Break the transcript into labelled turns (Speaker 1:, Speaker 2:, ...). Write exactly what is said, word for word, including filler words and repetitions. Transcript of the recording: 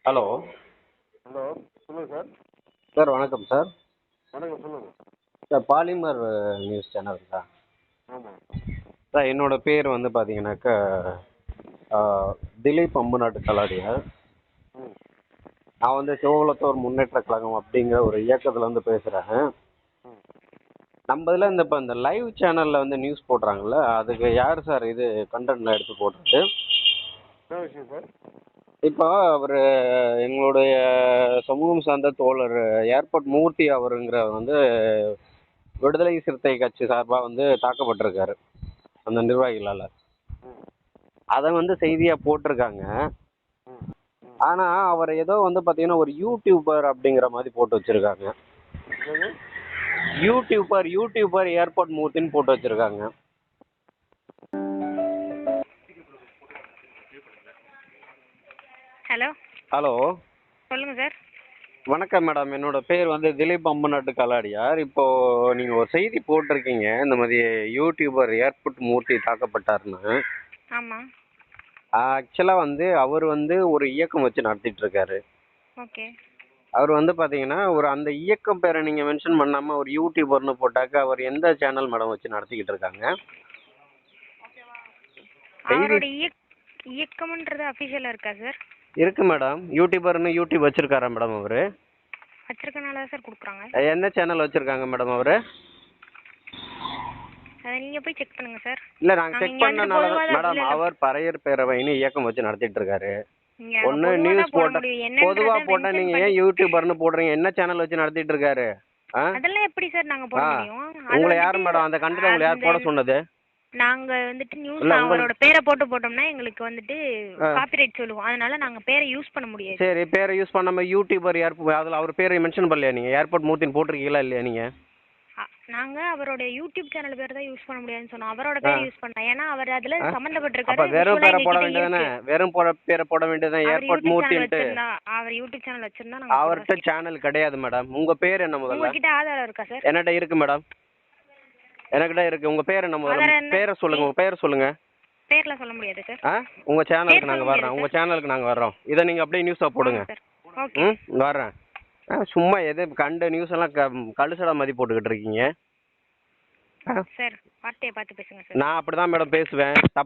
Speaker 1: Hello.
Speaker 2: Hello, சொல்லுங்கள் sir.
Speaker 1: Sir வணக்கம் sir.
Speaker 2: வணக்கம், சொல்லுங்கள்.
Speaker 1: சார் பாலிமர் நியூஸ் சேனலுங்களா?
Speaker 2: ஆமாம்.
Speaker 1: சார் என்னோட பேர் வந்து பார்த்தீங்கன்னாக்கா திலீப் அம்புநாட்டு கலாடியார்.
Speaker 2: ம்
Speaker 1: நான் வந்து சிவகுலத்தோர் முன்னேற்ற கழகம் அப்படிங்கிற ஒரு இயக்கத்தில் வந்து பேசுகிறேன்.
Speaker 2: ம்
Speaker 1: நம்ம இதில் இந்த இப்போ இந்த லைவ் சேனலில் வந்து நியூஸ் போடுறாங்கல்ல, அதுக்கு யார் சார் இது கண்டென்ட்ல எடுத்து போடுறது?
Speaker 2: என்ன விஷயம் சார்?
Speaker 1: இப்போ அவர் எங்களுடைய சமூகம் சார்ந்த தோழர் ஏர்போர்ட் மூர்த்தி அவருங்கிறவர் வந்து விடுதலை சிறுத்தை கட்சி சார்பாக வந்து தாக்கப்பட்டிருக்காரு அந்த நிர்வாகிகளால்.
Speaker 2: ம்
Speaker 1: அதை வந்து செய்தியாக போட்டிருக்காங்க.
Speaker 2: ம் ம்
Speaker 1: ஆனால் அவர் ஏதோ வந்து பார்த்தீங்கன்னா ஒரு யூடியூபர் அப்படிங்கிற மாதிரி போட்டு வச்சுருக்காங்க.
Speaker 2: என்னது?
Speaker 1: யூடியூபர் யூடியூபர் ஏர்போர்ட் மூர்த்தின்னு போட்டு வச்சுருக்காங்க.
Speaker 3: ஹலோ.
Speaker 1: ஹலோ,
Speaker 3: சொல்லுங்கள் சார்.
Speaker 1: வணக்கம் மேடம். என்னோட பேர் வந்து திலீப் அம்புநாட்டு கலாடியார். இப்போது நீங்கள் ஒரு செய்தி போட்டிருக்கீங்க, இந்த மாதிரி யூடியூபர் ஏர்போர்ட் மூர்த்தி தாக்கப்பட்டாருன்னு.
Speaker 3: ஆமாம்.
Speaker 1: ஆக்சுவலாக வந்து அவர் வந்து ஒரு இயக்கம் வச்சு நடத்திட்டு இருக்காரு.
Speaker 3: ஓகே.
Speaker 1: அவர் வந்து பார்த்தீங்கன்னா ஒரு அந்த இயக்கம் பேரை நீங்கள் மென்ஷன் பண்ணாமல் ஒரு யூடியூபர்னு போட்டாக்க அவர் எந்த சேனல் மேடம் வச்சு நடத்திக்கிட்டு இருக்காங்க? செய்தி
Speaker 3: அவரோட இயக் இயக்கம்ன்றது அஃபிஷியலாக இருக்கா சார்?
Speaker 1: இருக்கு மேடம். யூடியூபர்னு யூடியூப் வச்சிருக்காரா மேடம் அவர்?
Speaker 3: வச்சிருக்கனால தான் சார் கொடுக்குறாங்க.
Speaker 1: என்ன சேனல் வச்சிருக்காங்க மேடம் அவர்?
Speaker 3: அதை நீங்கள் போய் செக் பண்ணுங்கள் சார்.
Speaker 1: இல்லை, நாங்கள்
Speaker 3: நாங்க
Speaker 1: செக்
Speaker 3: இங்க வந்துட்டு
Speaker 1: பண்ணனால
Speaker 3: பொதுவா தான்
Speaker 1: மேடம்
Speaker 3: இல்ல, இல்ல.
Speaker 1: அவர் பறையர் பேரவைன்னு இயக்கம் வச்சு நடத்திட்டு இருக்காரு.
Speaker 3: நீங்க அங்க
Speaker 1: ஒன்று
Speaker 3: பொதுவா
Speaker 1: நியூஸ்
Speaker 3: தான் போட
Speaker 1: போட்ட
Speaker 3: முடியும். என்னன்றதை
Speaker 1: பொதுவாக போட்டால்
Speaker 3: mention
Speaker 1: நீங்கள் ஏன்
Speaker 3: பண்ணி-
Speaker 1: யூடியூபர்னு போடுறீங்க? என்ன சேனல் வச்சு நடத்திட்டு இருக்காரு? ஆ
Speaker 3: அதெல்லாம் எப்படி சார் நாங்க போட
Speaker 1: ஆ
Speaker 3: முடியும்? அது
Speaker 1: உங்களை யார்
Speaker 3: வந்துட்டு
Speaker 1: மேடம் அந்த கண்டென்ட் உங்களை யார்
Speaker 3: அந்த-
Speaker 1: போட சொன்னது?
Speaker 3: நாங்க வந்துட்டு நியூஸ்
Speaker 1: இல்ல, உங்களுக்கு-
Speaker 3: அவரோட பேரை போட்டு போட்டோம்னா எங்களுக்கு வந்துட்டு
Speaker 1: ஆ.
Speaker 3: காப்பிரைட் சொல்லுவோம். அதனால நாங்க பேரை யூஸ் பண்ண முடியாது.
Speaker 1: சரி, பேரை யூஸ் பண்ணாம யூடியூபர் ஏர்போர்ட் அதில் அவர் பேரை மென்ஷன் பண்ணலையா நீங்கள்? ஏர்போர்ட் மூர்த்தின்னு போட்டிருக்கீங்களா இல்லையா நீங்கள்?
Speaker 3: அ- நாங்க அவரோட யூடியூப் சேனல் பேர் தான் யூஸ் பண்ண முடியாதுன்னு சொன்னோம். அவரோட பேரை
Speaker 1: ஆ.
Speaker 3: யூஸ் பண்ணலாம். ஏன்னா அவர் அதுல
Speaker 1: அப்போ
Speaker 3: சம்பந்தப்பட்டிருக்காரு.
Speaker 1: வெறும்
Speaker 3: visual ஆ
Speaker 1: பேரை போட
Speaker 3: எங்ககிட்ட
Speaker 1: வேண்டியதானே?
Speaker 3: இருக்கு.
Speaker 1: வெறும் போட பேரை போட வேண்டியதுதான்
Speaker 3: அவர்
Speaker 1: ஏர்போர்ட்
Speaker 3: யூடியூப் சேனல்
Speaker 1: மூர்த்தின்ட்டு.
Speaker 3: வச்சிருந்தா அவர் யூடியூப் சேனல் வச்சிருந்தா நாங்க
Speaker 1: அவர்கிட்ட
Speaker 3: போடுறோம்.
Speaker 1: சேனல் கிடையாது மேடம். உங்கள் பேர் என்ன முதல்ல?
Speaker 3: உங்ககிட்ட ஆதாரம் இருக்கா சார்?
Speaker 1: என்கிட்ட இருக்கு மேடம். எனக்கிட்ட இருக்கு. உங்கள் பேர் என்ன முதல்ல?
Speaker 3: ஆதாரம் என்ன?
Speaker 1: பேரை சொல்லுங்க. உங்கள் பேரை சொல்லுங்க.
Speaker 3: பேர்லாம் சொல்ல முடியாது சார்.
Speaker 1: ஆ உங்கள் சேனலுக்கு
Speaker 3: பேர்
Speaker 1: நாங்கள்
Speaker 3: சொல்ல
Speaker 1: வர்றோம்.
Speaker 3: முடியாது
Speaker 1: உங்கள் சேனலுக்கு நாங்கள் வர்றோம். இதை நீங்கள் அப்படியே நியூஸாக போடுங்க.
Speaker 3: சார். ஓகே
Speaker 1: ம் வர்றேன். ஆ சும்மா எது கண்ட நியூஸ் எல்லாம் க கழுசடா மாதிரி போட்டுக்கிட்டு இருக்கீங்க. ஆ,
Speaker 3: சார். வார்த்தையை பார்த்து பேசுங்க சார்.
Speaker 1: நான் அப்படி தான் மேடம் பேசுவேன்.